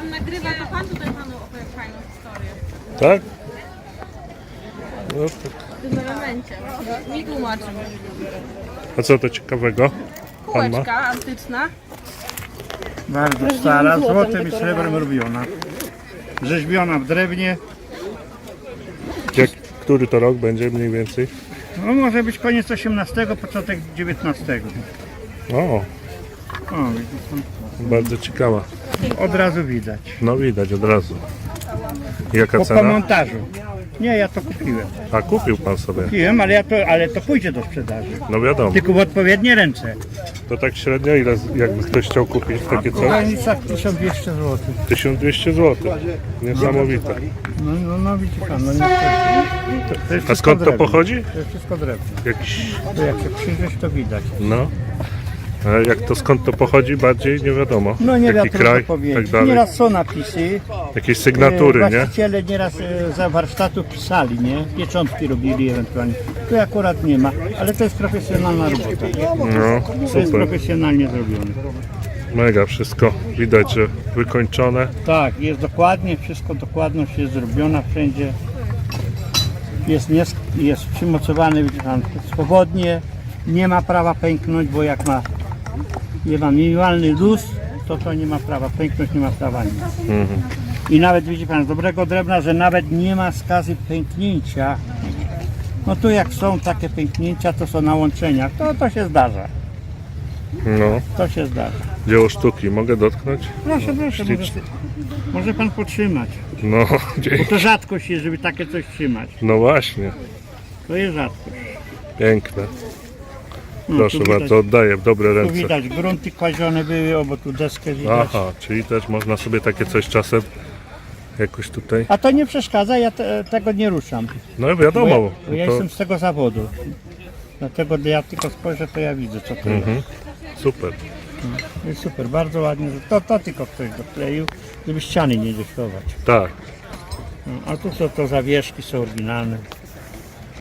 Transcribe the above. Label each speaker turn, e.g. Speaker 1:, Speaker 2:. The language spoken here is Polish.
Speaker 1: pan nagrywa, to pan tutaj panu opowie fajną historię.
Speaker 2: Tak? No, tak.
Speaker 1: W tym elemencie. Mi tłumaczy.
Speaker 2: A co to ciekawego pan ma?
Speaker 1: Kółeczka antyczna.
Speaker 3: Bardzo stara, złotem i srebrem robiona. Rzeźbiona w drewnie.
Speaker 2: Który to rok będzie mniej więcej?
Speaker 3: No może być koniec XVIII, początek XIX.
Speaker 2: O,
Speaker 3: O, widzi pan.
Speaker 2: bardzo ciekawa.
Speaker 3: Od razu widać.
Speaker 2: No widać od razu. Jaka
Speaker 3: Po
Speaker 2: cena?
Speaker 3: montażu. Nie, ja to kupiłem.
Speaker 2: A kupił pan sobie?
Speaker 3: Kupiłem, ale to pójdzie do sprzedaży.
Speaker 2: No wiadomo.
Speaker 3: Tylko w odpowiednie ręce.
Speaker 2: To tak średnio ile, jakby ktoś chciał kupić takie
Speaker 3: W
Speaker 2: coś?
Speaker 3: granicach 1200 zł.
Speaker 2: 1200 zł. Niesamowite.
Speaker 3: No widzi pan, no nie. To jest
Speaker 2: A skąd to
Speaker 3: drewno.
Speaker 2: pochodzi?
Speaker 3: To jest wszystko drewno.
Speaker 2: Jakiś,
Speaker 3: To jak się przyjrzeć, to widać.
Speaker 2: no. A jak to skąd to pochodzi bardziej nie wiadomo.
Speaker 3: No nie
Speaker 2: Jaki
Speaker 3: wiadomo
Speaker 2: kraj,
Speaker 3: powiedzieć.
Speaker 2: tak dalej.
Speaker 3: Nieraz są napisy.
Speaker 2: Jakieś sygnatury, nie?
Speaker 3: Właściciele nieraz za warsztatu pisali, nie? Pieczątki robili ewentualnie. Tu akurat nie ma, ale to jest profesjonalna robota.
Speaker 2: No,
Speaker 3: To jest
Speaker 2: super.
Speaker 3: profesjonalnie zrobione.
Speaker 2: Mega wszystko. Widać, że wykończone.
Speaker 3: Tak, jest dokładnie, wszystko dokładność jest zrobiona wszędzie. Jest przymocowany, widzi pan, swobodnie. Nie ma prawa pęknąć, bo jak ma minimalny luz, to nie ma prawa pęknąć, nie ma prawa nic. I nawet widzi pan z dobrego drewna, że nawet nie ma skazy pęknięcia. No tu jak są takie pęknięcia, to są na łączeniach, to się zdarza.
Speaker 2: No,
Speaker 3: To się zdarza.
Speaker 2: dzieło sztuki. Mogę dotknąć?
Speaker 3: Proszę, może pan potrzymać.
Speaker 2: No,
Speaker 3: Bo
Speaker 2: dzięki.
Speaker 3: to rzadkość jest, żeby takie coś trzymać.
Speaker 2: No właśnie.
Speaker 3: To jest rzadkość.
Speaker 2: Piękne.
Speaker 3: No,
Speaker 2: Proszę
Speaker 3: tu widać,
Speaker 2: bardzo, oddaję w dobre
Speaker 3: tu
Speaker 2: ręce.
Speaker 3: widać grunty kładzione były, bo tu deskę widać.
Speaker 2: Aha, czyli też można sobie takie coś czasem jakoś tutaj.
Speaker 3: A to nie przeszkadza, ja tego nie ruszam.
Speaker 2: No
Speaker 3: Bo
Speaker 2: wiadomo.
Speaker 3: ja
Speaker 2: To,
Speaker 3: jestem z tego zawodu. Dlatego gdy ja tylko spojrzę, to ja widzę co to jest.
Speaker 2: super.
Speaker 3: Jest super, bardzo ładnie. To tylko ktoś dokleił, żeby ściany nie deszczować.
Speaker 2: Tak.
Speaker 3: No, a tu są to zawieszki, są oryginalne.